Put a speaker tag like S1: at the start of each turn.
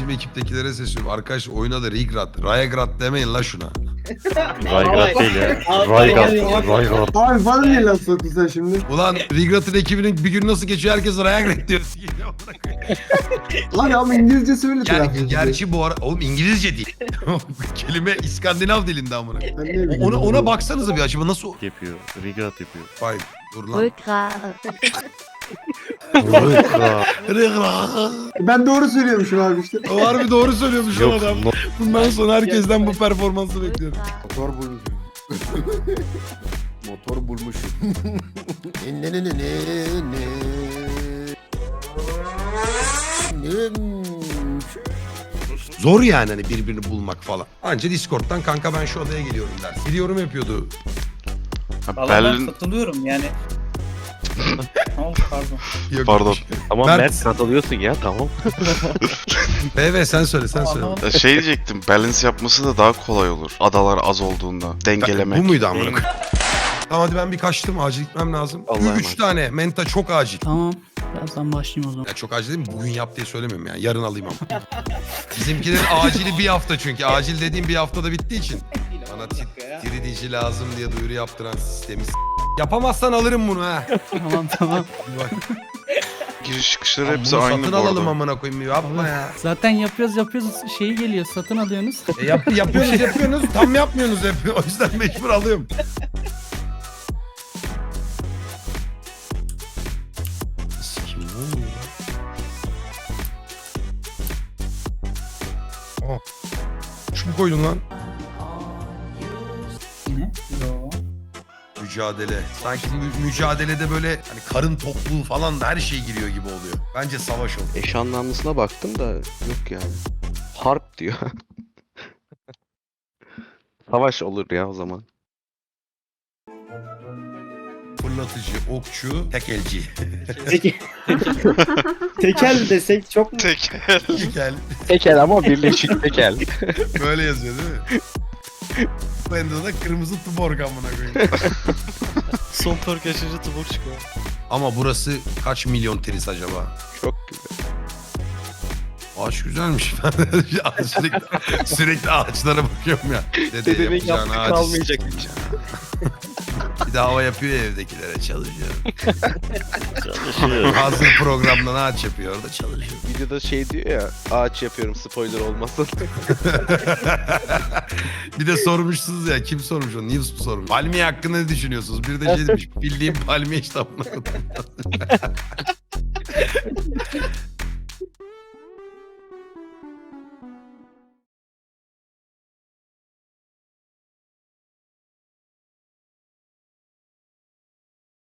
S1: Bizim ekiptekilere sesleniyorum. Arkadaşlar oyuna da Rigrat, Rayagrad demeyin la şuna.
S2: Raygat değil ya. Raygat. Raygat.
S3: Abi bana niye laf soktun sen şimdi?
S1: Ulan Rigrat'ın ekibinin bir gün nasıl geçiyor herkes Rayagrad diyor.
S3: Abi ama İngilizce söyle
S1: Gerçi bu ara... Oğlum İngilizce değil. Kelime İskandinav dilinde amına.
S3: Ben ne bileyim.
S1: Ona baksanıza bir acaba nasıl...
S2: Yapıyor. Raygat yapıyor.
S1: Vay dur lan.
S4: Rückgrat.
S2: Raygat.
S3: Ben doğru söylüyormuşum abi işte.
S1: O harbi doğru söylüyormuş o
S2: Yok.
S1: adam. Bundan sonra herkesten bu performansı bekliyorum.
S5: Motor bulmuşum. Motor bulmuşum. Ne ne ne ne ne.
S1: Zor yani hani birbirini bulmak falan. Anca Discord'dan kanka ben şu odaya geliyorum der. Gidiyorum yapıyordu.
S6: Valla ben
S7: Berlin
S6: katılıyorum yani. Tamam pardon.
S1: Yok,
S7: Pardon.
S1: yok.
S2: Tamam
S1: Mert.
S2: Mert katılıyorsun ya tamam.
S1: BB sen söyle sen söyle.
S6: Anlamadım.
S7: şey diyecektim. Balance yapması da daha kolay olur. Adalar az olduğunda. Dengelemek.
S1: Bu muydu amına koyayım? Tamam hadi ben bir kaçtım. Acil gitmem lazım.
S2: Allah'a
S1: 3
S2: emanet.
S1: tane. Menta çok acil.
S8: Tamam. Birazdan başlayayım o zaman.
S1: Ya çok acil değil mi? Bugün yap diye söylemiyorum yani. Yarın alayım ama. Bizimkilerin acili bir hafta çünkü. Acil dediğim bir haftada bittiği için. Bana tiridici lazım diye duyuru yaptıran sistemi yapamazsan alırım bunu ha.
S8: Tamam.
S1: Bak,
S7: Giriş çıkışları
S1: bunu
S7: hepsi aynı
S1: satın
S7: bu
S1: alalım
S7: arada.
S1: amına koyayım. Yapma ya.
S8: Zaten yapıyoruz. Şeyi geliyor. Satın alıyorsunuz.
S1: Yapıyorsunuz. Tam yapmıyorsunuz hep. O yüzden mecbur alıyorum. Sikim ne oluyor lan? Oh. Şu mu koydun lan?
S6: Ne? Yo.
S1: Mücadele. Sanki mücadelede böyle hani karın tokluğu falan da her şey giriyor gibi oluyor. Bence savaş oldu.
S9: Eş anlamlısına baktım da yok yani. Harp diyor. Savaş olur ya o zaman.
S1: Fırlatıcı, okçu, tekelci.
S6: Tekel desek çok mu?
S7: Tekel.
S1: Tekel.
S9: Tekel ama birleşik tekel.
S1: Böyle yazıyor değil mi? Bende de kırmızı tuborg amına koyayım.
S2: Son perk açınca tubuk çıkıyor.
S1: Ama burası kaç milyon teris acaba?
S9: Çok güzel.
S1: Ağaç güzelmiş. Ben sürekli ağaçlara bakıyorum ya. Dede
S9: Dedemin
S1: yapacağın
S9: yaptığı
S1: ağaç
S9: kalmayacak.
S1: Bir de hava yapıyor ya evdekilere çalışıyor.
S2: Çalışıyor.
S1: Hazır programdan ağaç yapıyor orada çalışıyor.
S9: Videoda şey diyor ya ağaç yapıyorum spoiler olmasın.
S1: Bir de sormuşsunuz ya kim sormuş onu? Nils sormuş. Palmiye hakkında ne düşünüyorsunuz? Bir de şey demiş bildiğim palmiye işte amına koyayım.